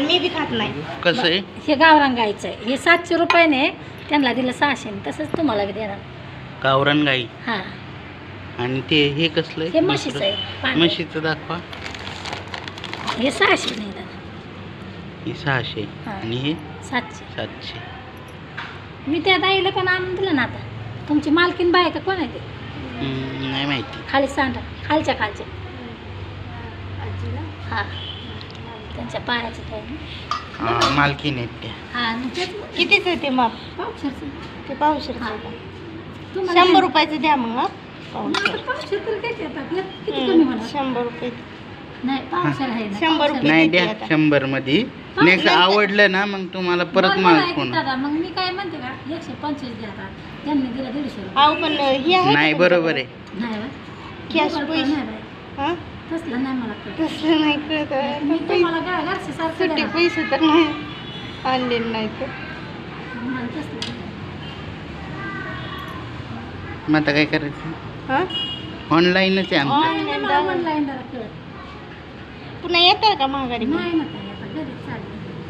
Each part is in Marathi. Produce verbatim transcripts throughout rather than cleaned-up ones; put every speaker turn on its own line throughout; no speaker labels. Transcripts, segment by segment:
आणि मी बी खात नाही.
कसं आहे?
हे गावरान गाईचं आहे. हे सातशे रुपयाने त्यांना दिलं सहाशे, तसंच तुम्हाला बी देणार.
गावरान गाई.
हां,
आणि ते हे कसलं
हे म्हशीचं आहे. पांढरं.
म्हशीचं दाखवा.
हे सहाशे नाही दादा,
हे सहाशे
हां.
आणि हे
सातशे.
सातशे.
मी त्या दाईला पण आणून दिलं ना. आता तुमची मालकीन बाय का कोण आहे ते?
हम्म, नाही माहिती.
खाली सांडा, खालच्या खालच्या. हां, त्यांच्या पायाचं काय ना.
हा, मालकीण आहेत त्या.
हां, मग तेच
कितीच आहे ते माप?
पावशेरचं.
ते पावशेर
हां.
शंभर
तुम्हाला
रुपयाचं द्या मग. हा? पावशेर.
पावशेर तर काय येतात, किती कमी होणार?
शंभर रुपये.
नाही, पावशेर आहे ना.
शंभर
पावशेर.
रुपये.
नाही
किती
द्या
आता?
शंभर मध्ये.
हा,
नेक्स्ट
नंतर-
आवडलं ना मग तुम्हाला परत
बरोबर
माल
आहे की
फोन.
दादा, मग मी काय म्हणते का, एकशे पंचवीस द्या आता. त्यांनी दिलं दीडशे रुपये.
अहो पण हे आहे
नाही
का
बरोबर आहे.
नाही बा.
कॅश
गुगल पे
पैसे.
नाही बाई.
हा?
तसलं नाही मला कळत.
तसलं नाही कळत आहे.
मी तुम्हाला काय घरचे सारखं
सुट्टे
देणार.
पैसे तर नाही आणले नाही तर.
मला तसलं नाही.
मग आता काय करायचं?
हा?
ऑनलाईनच आहे आमचं.
Online
नाही, मला
दादा.
online जरा कळत.
पुन्हा येतं का महागारी?
नाही ना ताई, आता घरीच चालली.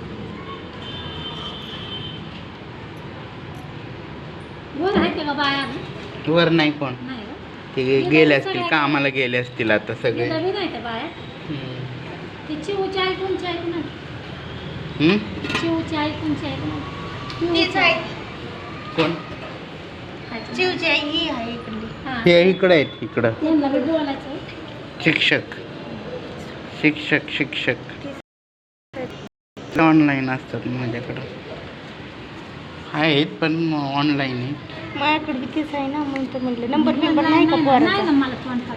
वर आहे ते का बाया?
वर नाही कोण.
नाही का?
ते गेले असतील कामाला गेले असतील आता सगळे.
गेलं बी नाही त्या बाया.
हम्म.
ती चिवची आई कोणची आहे की नाही?
हम्म?
चिवची आई कोणची आहे की नाही?
तीच आहे.
कोण?
चिवची आई ही आहे इकडली.
हां.
हे इकडं आहेत इकडं.
त्यांना बी बोलायचं.
शिक्षक शिक्षक शिक्षक ऑनलाईन असतात माझ्याकडं. आहेत पण ऑनलाईन आहे.
माझ्याकडे बी तीच आहे ना, म्हणून तर म्हटलं नंबर बिंबर नाही का
नाही
पोराचा?
ना मला फोन